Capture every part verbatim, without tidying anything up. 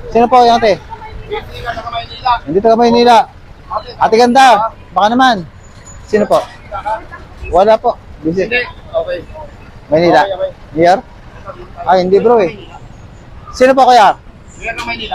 Sino po yung ate? Hindi ka sa Maynila. Hindi taga Maynila. Ate ganda, baka naman. Sino po? Wala po. Busy. Hindi. Okay. Maynila. Okay, okay. Here? Ay, hindi bro eh. Sino po kaya? Mayor ng Maynila.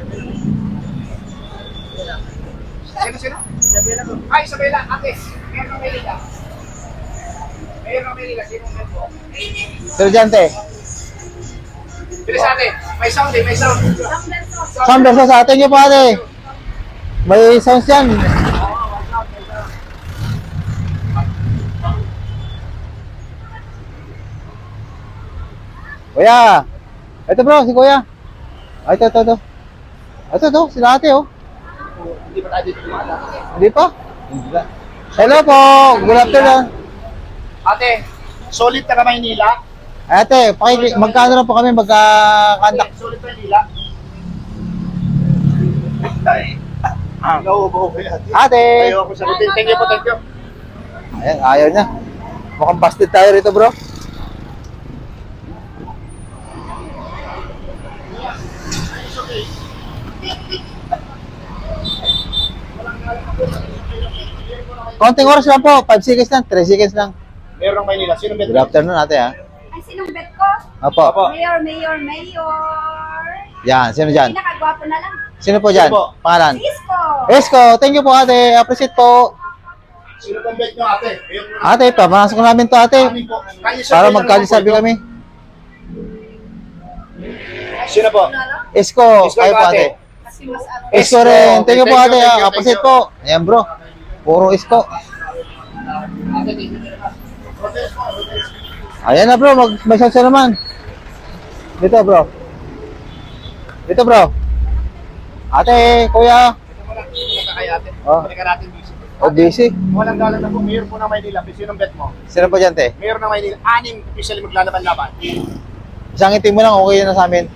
Sino, sino? Ay, Isabela, ate. Mayor ng Maynila. Mayor ng Maynila, sino ang po? Sino dyan, te? Bilis ate. May sound eh, may sound. Sound versus sa atin niyo po ate. May sounds dyan. Kuya. Ito bro, si kuya. Ay, ito, ito, ito. Ito, ito, sila ate oh. Hindi ba tayo dito lumala? Hindi pa? Hindi pa. Hello po, good afternoon. Ate, solid taga Maynila. Ate, paki magkano lang po kami magkakandak. Ate, solid Maynila. Ay. Ah, nauubo ko yan. Ate. Ayaw ako sagutin. Thank you po, thank you. Ayan, ayaw niya. Mukhang busted tayo rito bro. Konting oras lang po, five seconds lang, three seconds lang. Mayor ng Maynila, sino bet? Good afternoon ate ha. Ay, sinong bet ko? Opo. Opo. Mayor, mayor, mayor. Yan, sino dyan? Pinakagwapo na lang. Sino po dyan? Sino po? Pangalan? Isko. Esko, thank you po ate. Appreciate po. Sino pong bet nyo, ate? Mayor ng Ate, pamasok namin to ate. Amin po. Kanya siya, Para mayor ng magkalisabi Maynila. kami. Sino po? Esko, Isko, kayo po ate. ate. Kasi mas ano. Esko rin. Thank you po Thank ate. you, thank you, Appreciate thank you. po. Ayan bro. Puro Esko. Ayan na bro, mag may sauce na naman. Dito bro. Dito bro. Ate, kuya. Ito mo lang, ito kay ate. Oh. Balikan natin busy. Oh, busy. Walang galang na po, mayor po ng Maynila. Sino bet mo? Sino po dyan te? Mayor ng Maynila, anim officially maglalaban-laban. Isang itim mo lang, okay na sa amin.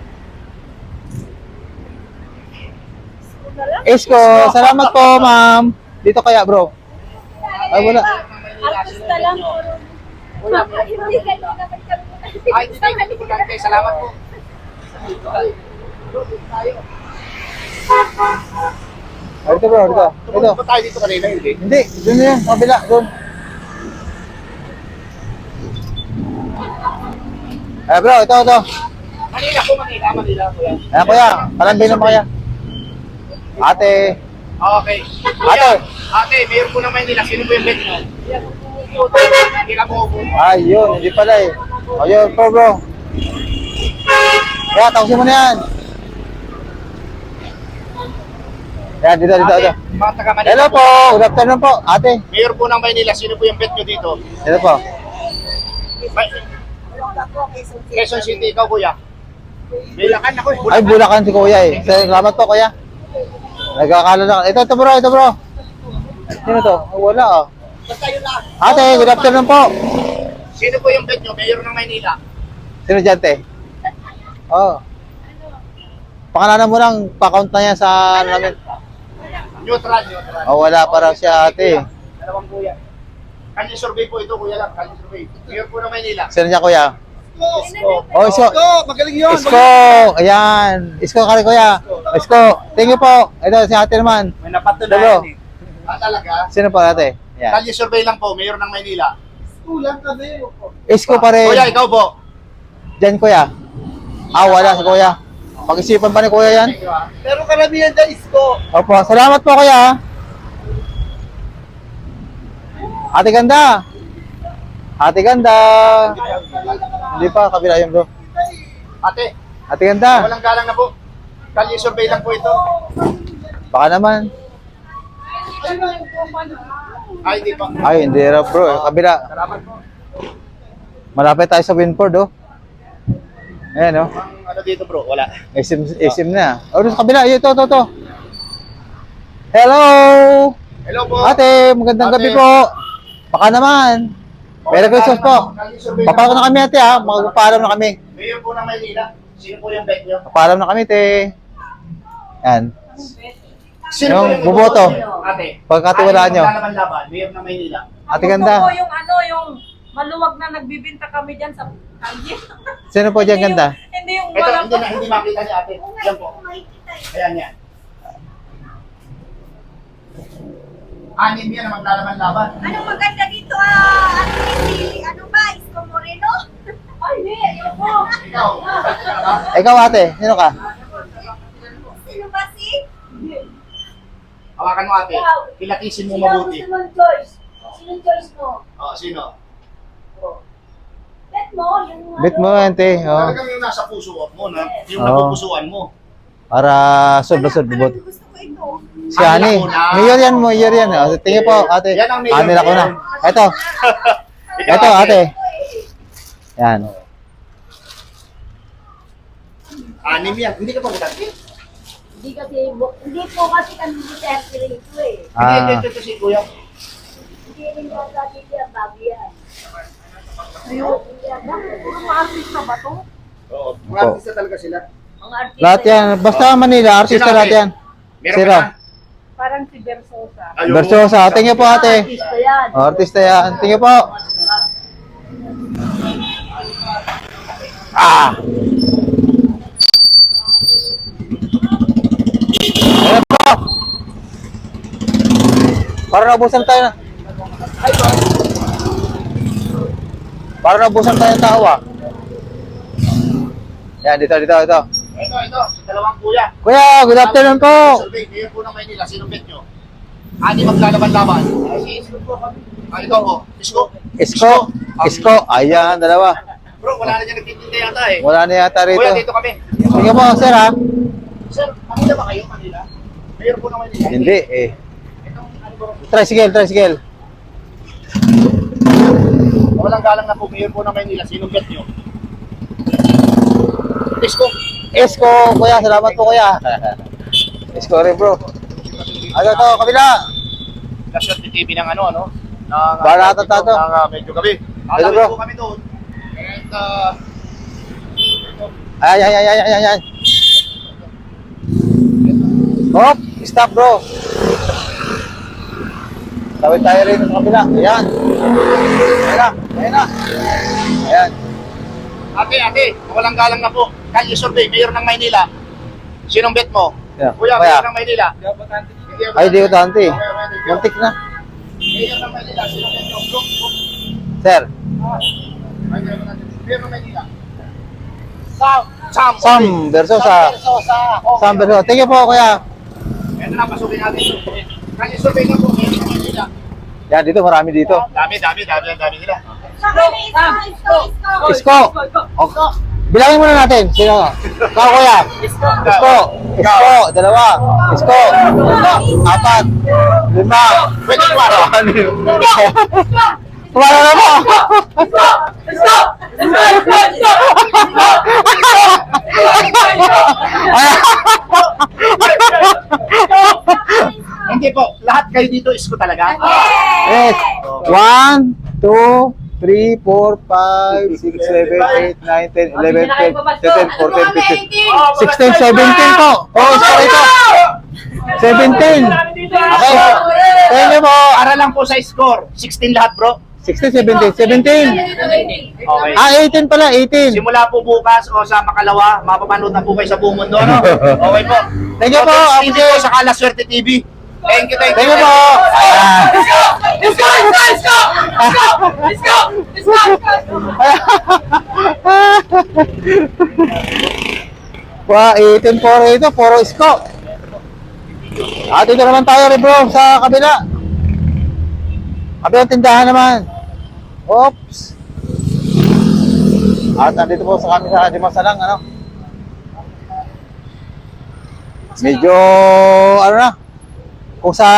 Esko, salamat po ma'am. Dito kaya bro. Ay wala. Artista lang. Wala. Hindi ka naman kami. Ay, hindi kayo importante. Salamat po. Ay, dito bro, dito. Dito. Tumunod ba tayo dito kanina? Hindi. Hindi, doon na yan, kabila, doon. Eh bro, ito, ito. Manila po, Manila, Manila, kuya. Ayan kuya, palambing ng kuya. Ate. Okay. Kuya, ate, mayor po ng Manila. Sino po yung bet nyo? Hindi ka po po. Ayun, hindi pala eh. Ayun po bro. Kaya, tapusin mo na yan. Yan, dito, dito, Ate, dito. mga taga Manila. Hello po, good afternoon po, ate. Mayor po ng Manila. Sino po yung bet nyo dito? Hello po. May- Quezon City, ikaw kuya. Bilakan ako eh. Ay, Bulacan si kuya eh. Salamat po kuya. Nagkakala na. Ito, ito bro, ito bro. Sino to? Oh, wala ah. Basta yun lang. Ate, good afternoon po. Sino po yung bet nyo? Mayor ng Manila. Sino dyan, te? Oh. Pakalanan mo lang, pa-count na yan sa ano namin. Neutral, neutral. Oh, wala pa raw siya, ate. Dalawang kuya. Kanya survey po ito, kuya lang. Kanya survey. Mayor po ng Manila. Sino niya, kuya? Isko. Oh, Isko. Magaling yun. Isko. Ayan. Isko ka rin, kuya. Isko. Thank you po. Ito, si ate naman. May Hello. napatunayan eh. Ah, talaga? Sino po, ate? Ayan. Kanya survey lang po, Mayor ng Manila. Kulang ka din. Isko pa rin. Kuya, ikaw po. Diyan, kuya. Ah, wala si kuya. Pag-isipan pa ni kuya yan. Pero karamihan dyan, Isko. Opo, salamat po kuya. Ate ganda. Ate ganda. Hindi pa, kabila yun bro. Ate, Ate ganda. walang galang na po. Kanya survey lang po ito. Baka naman. Ay, hindi pa. Ay, hindi raw bro. Kabila. Salamat po. Malapit tayo sa Winford oh. Ayan oh. Ang ano dito bro, wala. Isim, isim na. Oh, doon sa kabila. Ito, ito, ito. Hello. Hello po. Ate, magandang Ate. gabi po. Baka naman. Merry Christmas po. Papalo na kami ate ha. Magpapaalam na kami. Mayor po ng Manila. Sino po yung bet nyo? Papaalam na kami te. Yan. Sino Yung buboto. Ate. Pagkatiwalaan nyo. Maglalaban-laban, Mayor ng Manila. Ate Ang ganda. gusto ko yung ano, yung maluwag na nagbibinta kami dyan sa kalye. Sino po dyan ganda? Hindi yung Ito, walang... hindi na, hindi makita ni ate. Yan po. Ayan yan. Anim yan ang maglalaban-laban. Anong maganda dito ah? Ano si, ano ba? Isko Moreno? Ay, hindi. Ayoko. Ikaw. Ikaw ate, sino ka? Sino ba si? Hawakan mo ate. Kilatisin mo mabuti. Sino ang choice? Sino ang choice mo? Oh, sino? Bet mo, yung ano. Bit mo ante. Oh. Talagang yung nasa puso mo, na, yung Oo. napupusuan mo. Para sobra-sobra bot. Gusto ko ito. Si Ani. Mayor yan, mayor yan. Oh. Tingin po ate. Yan ang mayor. Ani ko na. Ito. Ikaw, Ito ate. Yan. Anim yan. Hindi ka pa butante. Hindi kasi, hindi po kasi kami Duterte rito eh. Hindi, Ah. ito, ito, si kuya. Hindi rin ba sa dito yan, bago yan. Ayun. Mga artista ba to? Oo. Mga Opo. artista talaga sila. Mga artista. Lahat yan. Basta Manila, artista Sino, lahat ate? yan. Meron Sino? ka na? Parang si Versosa. Ayun. Versosa. Tingin po ate. Artista yan. Oh, artista yan. Tingin po. Ah! Ayan po! Para naubusan tayo na. Para naubusan tayo ng tao ah. Yan, dito, dito, dito. Ito, ito. Dalawang kuya. Kuya, good afternoon po. Survey, mayor po ng Maynila. Sinong bet nyo? Ani maglalaban-laban. Ay, si Isko po kami. Ah, ito po. Isko. Isko. Isko. Ayan, dalawa. Bro, wala na dyan nagtitinda yata eh. Wala na yata rito. Kuya, dito kami. Sige po, sir ha. Sir, Manila ba kayo? Manila? Mayor po ng Manila. Hindi eh. Itong ano ba? Tricycle, tricycle. Walang galang na po. Mayor po ng Manila. Sinong bet nyo? Isko. Isko, kuya. Salamat po, kuya. Isko rin, bro. Ano to, kabila. Kasyon T V ng ano, ano? Ng, Barata uh, tato. Ng uh, medyo gabi. Hello, Alawin bro. po kami doon. And, uh, Ay, ay, ay, ay, ay, ay, ay. Hop, stop, bro. Tawid tayo rin sa kabila. Ayan. Ayan na, ayan na. Ayan. ate, ate, walang galang na po. Kanya survey, Mayor ng Maynila. Sinong bet mo? Yeah. Kuya, Kuya. Mayor ng Maynila. Ay, di ko tanti. Muntik na. Mayor ng Maynila, sinong bet mo? Bro, bro. Sir. Ay, Mayor ng Maynila. Sam. Sam. Sam versus sa Versosa. Sam versus. Thank you po, kuya. Ito na, pasukin natin. Kasi survey na po. Meron naman nila. Yan, dito marami dito. Dami, dami, dami, dami nila. Isko. Okay. Bilangin muna natin. Sino? Ikaw, kuya. Isko. Isko. Dalawa. Isko. Apat. Lima. Pwede kumaro. Ano yun? Kumara na mo. Hindi po, lahat kayo dito isko talaga. Yes. One, two, three, four, five, six, seven, eight, nine, ten, eleven, twelve, thirteen, fourteen, fifteen, sixteen, seventeen po. Oh, sorry po. seventeen. Okay. Thank you po. Para lang po sa score. sixteen lahat bro. sixteen, seventeen, seventeen. Okay. Ah, eighteen pala, eighteen. Simula po bukas o sa makalawa, mapapanood na po kayo sa buong mundo. No? Okay po. Thank you po, So, Hindi Apple. po sa Kala Swerte T V. Thank you, thank you. Thank you po. Ayan. Let's go! Let's go! Let's go! Let's go! Let's go! Wow, eighteen po rito, puro isko. At dito naman tayo rin bro, sa kabila. Kabilang tindahan naman. Oops. At nandito po sa kami sa Dimasalang, ano. Medyo, ano na, kung sa,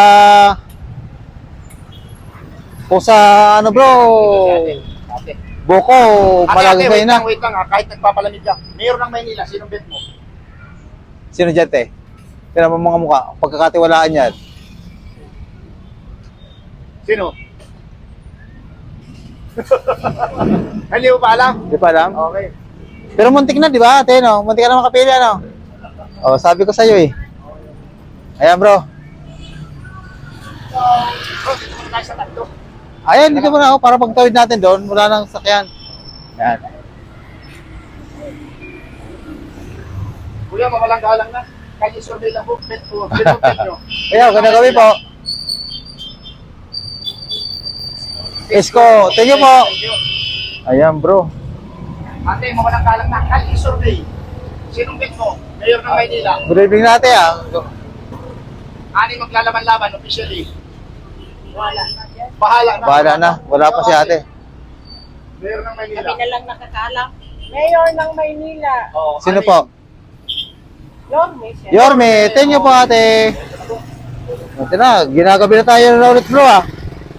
kung sa, ano bro, Ate. Boko, Ate, malagi ate, kayo wait na. lang, wait lang ha. Kahit nagpapalamig ka. Mayor ng Maynila, sinong bet mo? Sino dyan, te? Tinan mo mga mukha, pagkakatiwalaan yan. Sino? Hindi mo pa alam? Di pa alam? Okay. Pero muntik na, di ba, ate, no? Muntik ka na makapili, ano? Oh, sabi ko sa'yo, eh. Ayan, bro. Bro, dito muna tayo sa tatlo. Ayan, dito muna ako para pagtawid natin doon. Wala nang sakyan. Ayan. Kuya, mawalang galang na. Kaya survey lang po. Bet po. Bet po, bet nyo. Ayan, ganda gabi po. Isko, thank you po. Thank you. Ayan, bro. Ate, mawalang galang na. Kaya survey. Sinong bet mo? Mayor ng Maynila. Good evening natin, ah. Ani maglalaban-laban officially. Wala. Bahala na. Bahala na. Wala pa si ate. Mayor ng Maynila. Kami na lang nakakalam. Mayor ng Maynila. Oo, Sino ani? po? Yorme siya. Yorme, thank you po, ate. Ito na, ginagabi na tayo na ulit, bro, ah.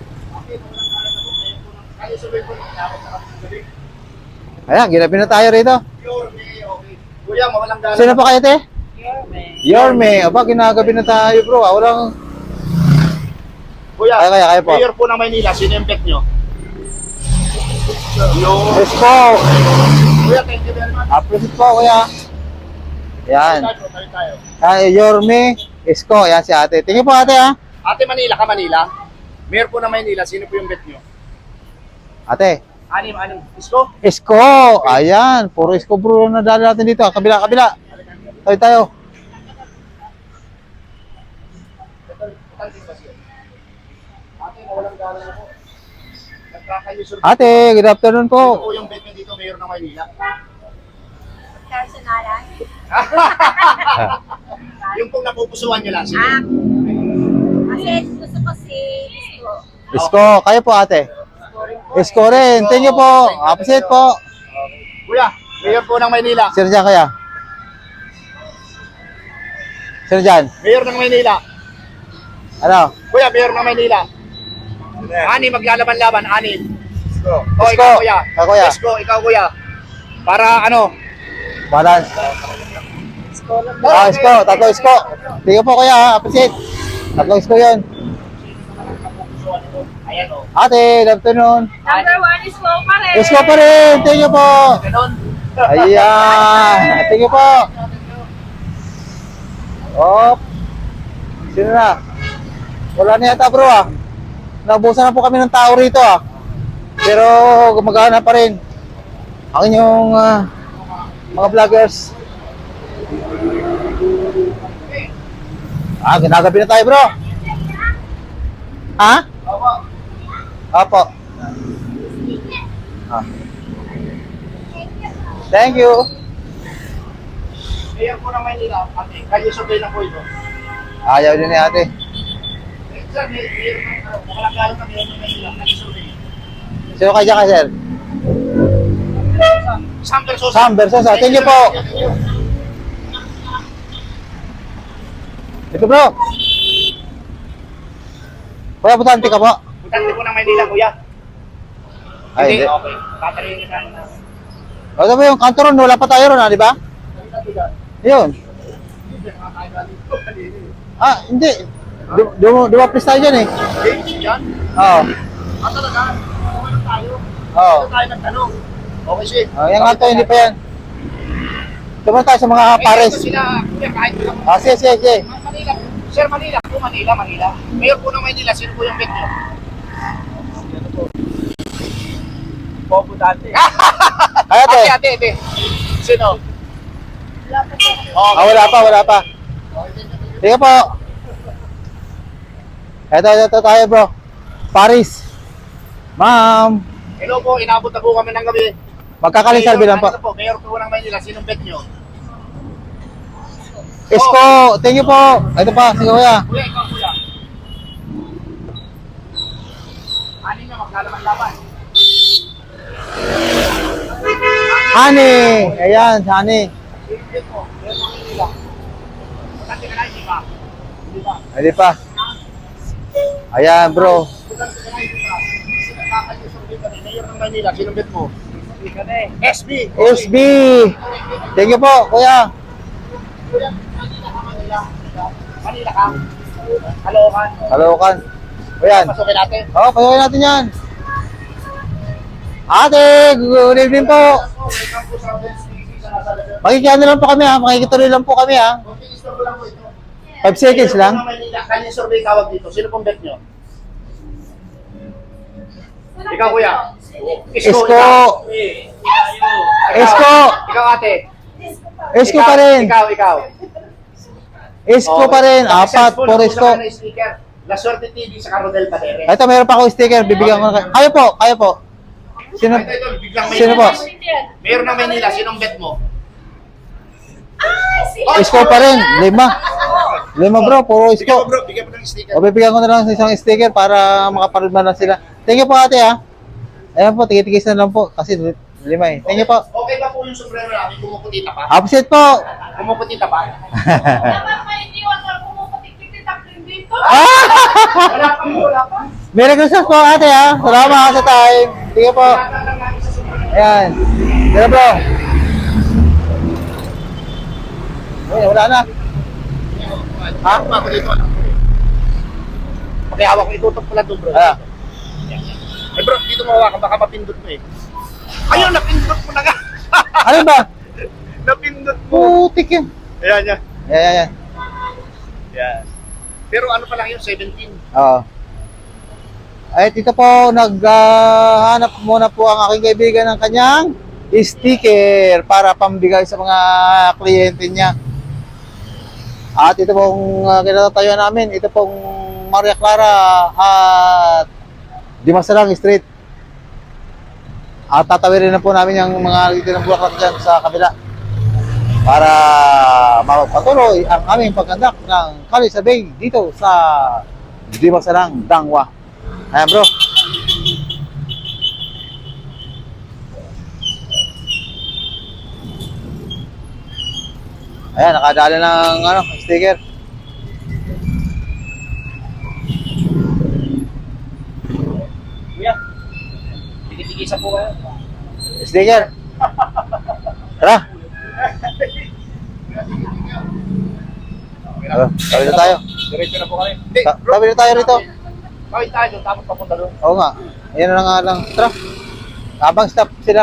Kaya survey po. Ayan, ginabi na tayo rito. Yorme, okay. Kuya, mawalang galang. Sino po kayo, te? Yorme. Yorme. Aba, ginagabi na tayo, bro, ah. Walang... Kuya, Kaya, kaya, kaya po. Mayor po ng Maynila. Sino yung bet nyo? Yung... Isko. Kuya, thank you very much. Appreciate po, kuya. Ayan. Tayo, tayo, tayo. Ay, Yorme, Isko. Ayan si ate. Tingin po, ate, ah. Ate Manila ka, Manila? Mayor po ng Maynila. Sino po yung bet nyo? Ate. Anim, anim. Isko? Isko. Ayan. Puro Isko, bro, na dali natin dito. Kabila, kabila. Tayo, tayo. Ate, mawalang galang ako. Nagkakayo survey. Ate, good afternoon Sino po. po yung bet nyo dito, Mayor ng Maynila? Personalan. Yung pong napupusuan nyo lang. Sino? Ah. Kasi gusto ko si Isko. Isko, kayo po, ate. Isko rin. Thank you po. Appreciate po. Kuya, Mayor po ng Maynila. Sino dyan kaya? Sino dyan? Mayor ng Maynila. Ano? Kuya, Mayor ng Maynila. Ani, maglalaban-laban, ani. Isko. O, Isko. ikaw, kuya. Ikaw, kuya. Isko, ikaw, kuya. Para ano? Balance. Ah, Isko. Tatlo Isko. Thank you po, kuya. ha. Appreciate. Tatlo Isko yun. Ayan, o. Ate, good afternoon. Number one is Isko pa rin. Isko pa rin. Thank you po. Ganon. Ayan. Thank you po. Op. Sino na? Wala na yata, bro, ah. Naubusan na po kami ng tao rito, ah. Pero gumagana pa rin ang inyong ah, mga vloggers. Ah, ginagabi na tayo, bro. Ha? Opo. Ah. Thank you. Mayor po ng Maynila, ate. Kayo survey lang po ito. Ayaw din ni ate. Eh, sir, may mayor ng, ano, makalagalo na mayor ng Maynila. Kayo survey. Sino kaya ka, sir? Sam Versosa. Sam Versosa. Thank you po. Ito bro. Kuya, butante ka po. Butante po ng Maynila, kuya. Ay, hindi. Okay. Tatarihin niyo sana na. O, ito ba yung kanto ron? Wala pa tayo ron, ah, di ba? Yun. Ah, hindi. Du- du- Dumaplis tayo dyan eh. James, yan. Oo. Ah, talaga? Okay lang tayo. Oo. Ito tayo nagtanong. Okay, sige. Oh, yung kanto, hindi pa yan. Tumunta tayo sa mga Eh, pares. ito sila, kuya, kahit lang. Ah, sige, sige, sige. Manila. Sir, Manila po, Manila, Manila. Mayor po ng Manila, sino po yung bet nyo? Bobo dati. Ay, ate. Ate, ate, ate. Sino? Wala pa siya. Oh, Ah, wala pa, wala pa. Sige po. Ito, ito, ito tayo bro. Paris. Ma'am. Hello po, inabot na po kami ng gabi. Magkakalisalbi lang po. Mayor, ano po. Mayor po ng Manila, sinong bet nyo? Isko, thank you po. Ito pa, sige kuya. Kuya, ikaw kuya. Anin na, maglalaman-laman. Honey. Ayan, honey. Sinong bet mo? Mayor ng Manila. Butante ka na, hindi ba? Hindi ba? Hindi pa. Ayan bro. Butante ka na, hindi ba? Sinakakal yung survey kami. Mayor ng Manila, sinong bet mo? S B. S B. Thank you po, kuya. Kuya, Manila ka, Manila. Manila ka. Caloocan. Kalokan. Ayan. Pasukin natin. Oo, pasukin natin yan. Ate, good evening po. Welcome po sa Benz T V sa Nasalasan. Makikiano lang po kami ha. Makikituloy lang po kami ha. Okay, store ko lang po ito. five seconds lang. Mayor po ng Manila, kanyang survey tawag dito. Sino pong bet nyo? Ikaw, kuya. Isko. ikaw. Isko. Ikaw, ate. Isko Ikaw, pa rin. Ikaw, ikaw. Isko pa rin. Apat, Successful, puro nakuha isko. ka ng sticker. La Suerte T V sa Carodel Padere. Ito, meron pa ako sticker. Bibigyan ko na kayo. Kayo po, kayo po. Sino? Ito, ito, biglang may Sino po? Mayor ng Manila, sinong bet mo? Isko pa rin. Lima. Lima bro, puro Bigyan mo isko. bro, bigyan mo ng sticker. O, bibigyan ko na lang sa isang sticker para makaparudman lang sila. Thank you po ate ha. Ayan po, tigit-tigis na lang po. Kasi lima eh. Thank you po. Okay ba po yung sombrero namin? Kumukutita pa? Opposite po. Kumukutita pa? Dapat pa hindi wala pumupatik-tik-tik dito. Ah! Wala pa po, wala pa. Merry Christmas po ate ha. Salamat sa time. Sige po. Wala lang namin sa sombrero. Ayan. Tira bro. Uy, wala na. Ha? Ako dito. Okay, hawak ko. Itutok ko lang doon bro. Ah. Eh bro, dito mo hawakan. Baka mapindot mo eh. Ayun, napindot mo na nga. Ano ba? Napindot mo. Putik yun. Ayan, yan. Ayan, ayan, ayan. Yan. Pero ano pa lang yun, seventeen. Oo. Ay, dito po, naghanap muna po ang aking kaibigan ng kanyang sticker para pambigay sa mga kliyente niya. At ito pong uh, kinatatayo namin, ito pong Maria Clara at Dimasalang Street. At tatawirin na po namin yung mga dito ng bulaklak dyan sa kabila para mapatuloy ang aming pagkandak ng Kalisabay dito sa Dimasalang, Dangwa. Ayan bro. Ayan, nakadali ng ano, sticker. Kuya, tigil-tigisa po kayo. Sticker. Tara. Oh, tabi na tayo. Diretso na po kami. Hindi, Ta- bro. tabi na tayo rito. Kawin tayo doon, tapos papunta doon. Oo nga. Ayan na nga lang. Tara. Habang stop sila.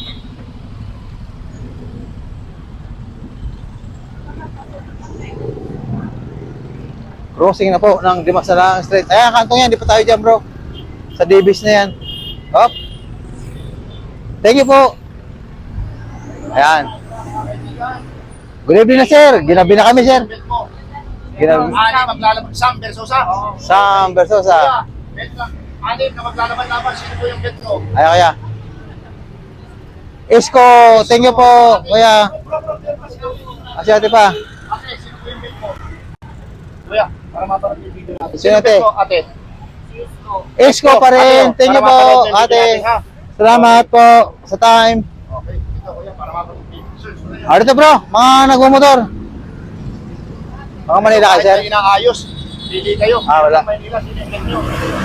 Crossing na po ng Dimasalang Street. Ayan, kantong yan. Di pa tayo dyan bro. Sa Davis na yan. Hop. Thank you po. Ayan. Good evening na sir. Ginabi na kami sir. Bet mo. Ginabi. Ani maglalaban. Sam Versosa. Sam Versosa. Kuya, bet lang. Ani na maglalaban-laban. Sino po yung bet mo? Ayan kaya. Isko, thank you po, kuya. Kasi ate pa. Ate, sino po yung bet mo? Kuya, para mapanood yung video natin. Sino, ate? bet mo, ate? Isko pa rin. Ate, Thank you para po, mapanood yung video ate. natin, ha? Salamat po sa time. Okay, ito kuya, para mapanood yung video. Sir, sir, Ah, dito bro, mga nagmumotor. Mga Manila kayo, sir. Kahit na inaayos, pili kayo. Ah, wala. Manila, sino yung bet nyo?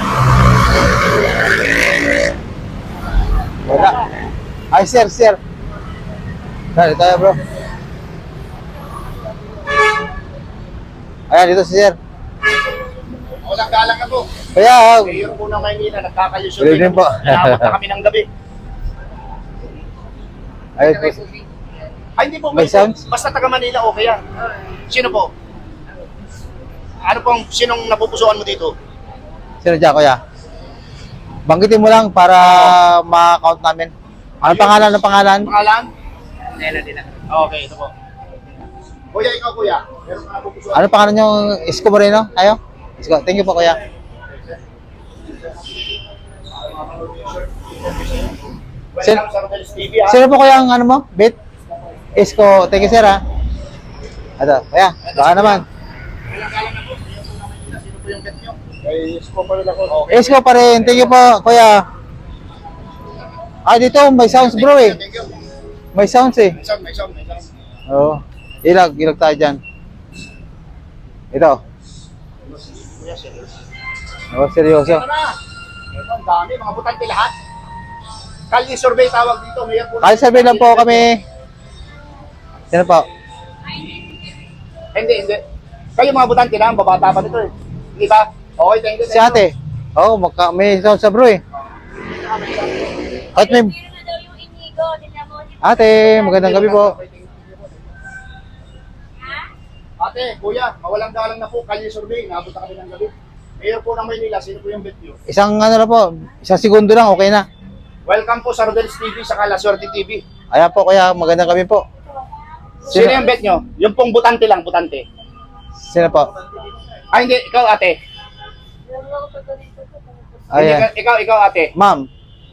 Wala. Ay, sir, sir. Dali tayo, bro. Ayan, dito si sir. Walang galang na po. Kaya, Mayor po ng Maynila, nagkakalusyon. Good evening po. Inabot na kami ng gabi. ayun po. Ay, hindi po. May sounds? Basta taga Manila, okay yan. Sino po? Ano pong, sinong napupusuan mo dito? Sino dyan, kuya? Banggitin mo lang para ma-count namin. Ano pangalan ng pangalan? Pangalan? Nela nila. Okay, ito po. Kuya, ikaw kuya. Meron ka napupusuan. Ano pangalan nyo? Isko Moreno? Ayo? Isko. Thank you po, kuya. Sin- Welcome sa Rodel's T V, ha? Sino po kuya ang ano mo? Bit? Isko. Thank you, sir, ha? Ito, kuya. Baka naman. Walang galang na po. Sino po yung bet nyo? Kay Isko pa rin ako. Okay. Isko pa rin. Thank you po, kuya. Ah, dito, may sounds, bro, eh. Thank you. May sounds, eh. May sound, may sound, may sound. Oo. Ilag, ilag tayo dyan. Ito. Kuya, serious. Oh, seryoso. Ano na? Ito, ang dami. Mga butante lahat. Kalye survey tawag dito. Mayor po. Kahit sabihin lang po kami. Sino po? Hindi, hindi. Kayo mga butante lang, babata pa nito eh. Hindi ba? Okay, thank you. Si ate. Oo, oh, magka, may sound sa bro, eh. Kahit may... Meron na daw yung inigo. Tingnan mo. Ate, magandang gabi po. Ate, kuya, mawalang galang na po. Kalye survey, naabot na kami ng gabi. Mayor po ng Maynila, sino po yung bet nyo? Isang ano na po, isang segundo lang, okay na. Welcome po sa Rodel's T V sa La Suerte T V. Ayan po, kaya magandang gabi po. Sino yung bet nyo? Yung pong butante lang, butante. Sino po? Ay, hindi, ikaw ate. Hindi, Ayan. ikaw, ikaw ate. Ma'am,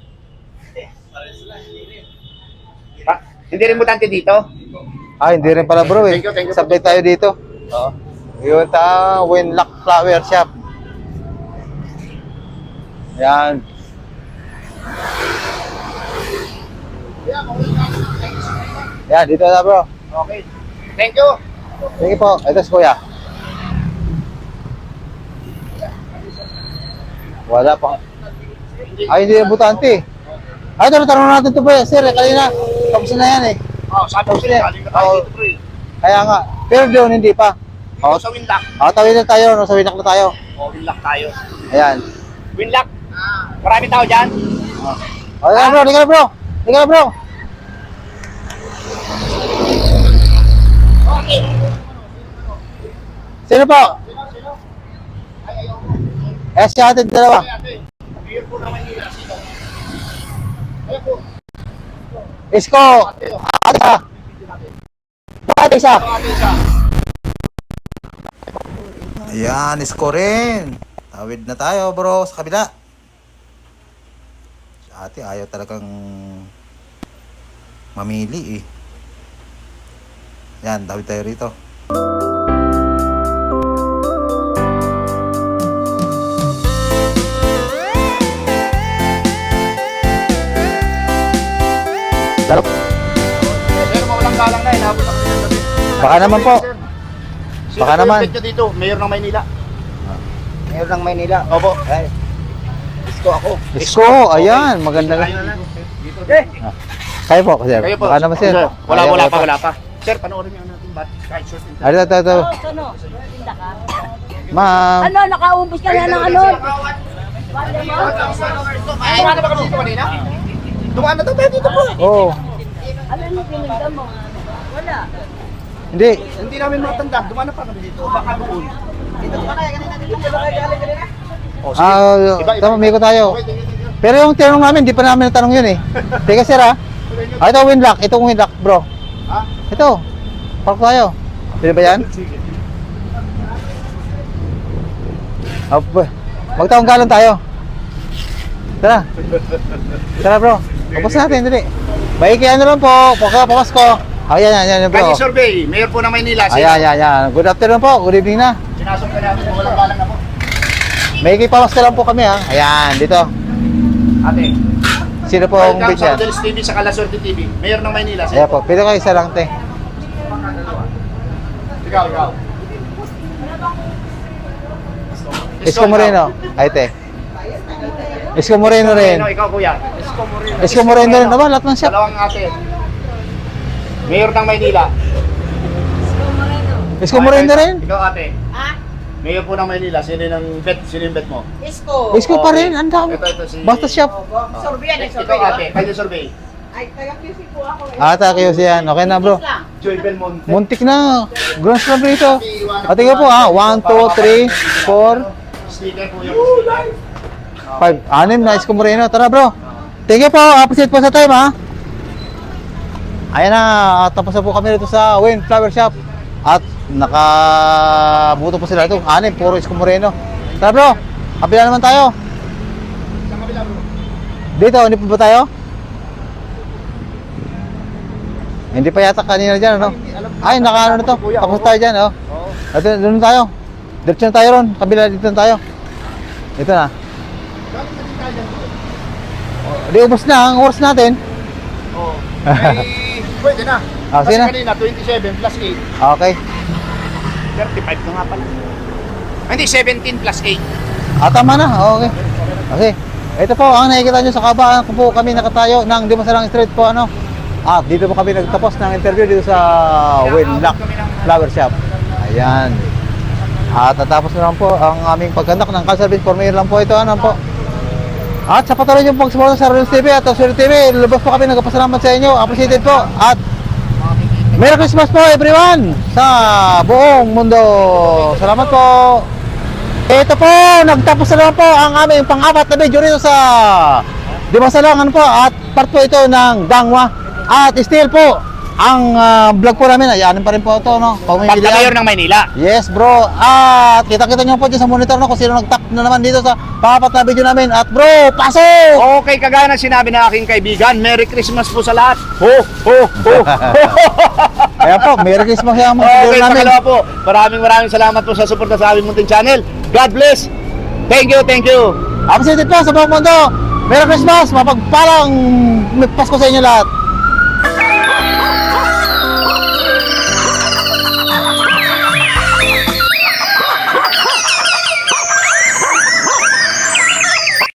Ha? Hindi rin butante dito? ah, hindi rin pala bro, eh. Thank you, thank you. Sabay tayo dito. Oo. Yun ta, Winlock Flower Shop. Ayan. Ayan, dito na bro. Okay. Thank you. Sige po, ito si kuya. Wala pa. Ay, hindi na butante. Ay, ito, tanong natin ito ba, sir, eh, kanina. Tapos na yan, eh. Oh, sabi ko sa'yo, galing ka tayo Oo. dito, pre. Kaya nga. Pero doon, hindi pa. Dito sa Winlock. Ah, tawid na tayo, no? Sa Winlock na tayo. Oh, Winlock tayo. Ayan. Winlock. Marami tao dyan. Oh, ayan, bro, liga na, bro. Liga na, bro. Okay. Sino po? Sino, sino? Eh, si ate dalawa. Ay, ate. Mayor po ng Maynila, sino? Ayun po. Isko. Ate, oh. Ate isa. Ate isa. Ate, isa. Ayan, isko rin. Tawid na tayo, bro, sa kabila. Si ate, ayaw talagang mamili, eh. Yan, tawid tayo rito. Talo. Pero mawalang galang na, inabot ako ng gabi. Baka naman po. Sino Baka po naman. yung bet nyo dito? Mayor ng Maynila. Mayor ng Maynila. Opo. Ay, Isko ako. isko, ayan, maganda. Tayo na lang. Dito. Eh, Kayo po, sir. kayo po. Baka naman, sir. Sir, Wala, Ayan, wala wala pa, wala pa. Sir, panoorin niyo natin bat. Kahit short and Ay, ito, ito, ito. Oh, ano? Tinda ka? Ma'am. Ano? Nakaumbos ka na ng ano? Ay, ano ba kami dito kanina? Dumaan na to tayo dito po. Oh, Ano yung pininda mo? Wala. hindi. Hindi namin matanda. Dumaan na pa kami dito. Baka doon. Dito ba kaya kanina? Dito ba kaya galing kanina? Oh, sige. Ah, Iba, iba. tama, may ko tayo. Okay, thank you, thank you. Pero yung tinanong namin, di pa namin natanong yun, eh. Teka, sir, ha? Ah, ito, Winlock. Itong Winlock, bro. Ha? Ito. Park tayo. Pwede ba yan? Sige. Oh, magtaong galon tayo. Tara. Tara, bro. Tapos natin, dali. Maiki ano lang po, pagka pamasko. Ayan, yan, yan, yan bro. Kanye Survey, Mayor po ng Maynila. Sino? Ayan, yan, yan. Good afternoon po, good evening na. Sinasok ka namin, walang galang na po. Maiki pamasko lang po kami ha. Ayan, dito. Ate, Sino po ang welcome bitch sa yan? Rodelis T V sa Kalaswerte T V. Mayor ng Maynila. Sino Ayan po, pwede kayo isa lang te. Ikaw, ikaw. Isko Moreno. Ay te. Isko Moreno rin. Moreno, ikaw kuya. Isko Moreno. Isko Moreno rin. Aba, lahat ng shop. Dalawang ate. Mayor ng Maynila. Isko Moreno rin. Ikaw ate. Ha? Mayor po ng Maynila. Sino yung bet? Sino yung bet mo? Isko. Isko pa rin, ang dami. Ito, ito si... Basta shop. Survey yan, Ikaw survey. ate. Kanye Survey. Ay, taga-Q C po ako eh. Ata kayo siyan. Okay na bro. lang. Joy Belmonte. Muntik na. Ground slab rito. At tingnan po ha. one, two, three, four, Sticker po yung... five. Anim na Isko Moreno. Tara bro. Thank you po. Appreciate po sa time ha. Ayan na. Tapos na po kami dito sa Wayne Flower Shop. At nakabuto po sila ito. Anim. Puro Isko Moreno. Tara bro. Kapila naman tayo. Sa kabila bro. Dito. Hindi po ba tayo? Hindi pa yata kanina dyan, ano? Ay, naka ano na to. Tapos tayo dyan, oh. Oo. Ito, doon na tayo. Diretso na tayo ron. Kabila dito na tayo. Ito na. Galing na din tayo dyan. Di, ubos na ang oras natin. Oo. Ay, pwede na. Ah, Kasi sige na. kanina, twenty-seven plus eight. Okay. thirty-five na nga pala. Ay, Hindi, seventeen plus eight. Ah, tama na. Okay. Okay. Ito po, ang nakikita nyo sa kabaan ko po kami nakatayo ng Dimasalang Street po, ano. At dito po kami nagtapos ng interview dito sa Winlock Flower Shop. Ayan. At natapos na lang po ang aming pagkandak ng car service for mayor lang po ito, ano po. At sa patuloy yung pagsuporta sa Rodelis T V at Rodelis T V, lubos po kami nagpasalamat sa inyo. Appreciated po. At Merry Christmas po everyone sa buong mundo. Salamat po. Ito po, nagtapos na lang po ang aming pang-apat na video rito sa Dimasalangan po. At part po ito ng Dangwa. At still po, ang uh, vlog po namin, ayanin pa rin po ito, no? Pagka-mayor ng Maynila. Yes bro, at kita-kita nyo po dyan sa monitor no, kung sino nag-tap na naman dito sa papat na video namin. At bro, pasok! Okay, kagaya ng sinabi ng aking kaibigan, Merry Christmas po sa lahat. Ho, ho, ho. Kaya po, Merry Christmas yung mga Okay, video namin. pangalawa po, maraming maraming salamat po sa suporta sa aming munting channel. God bless. Thank you, thank you. Appreciated po sa buong mundo. Merry Christmas, mapagpalang Pasko sa inyo lahat.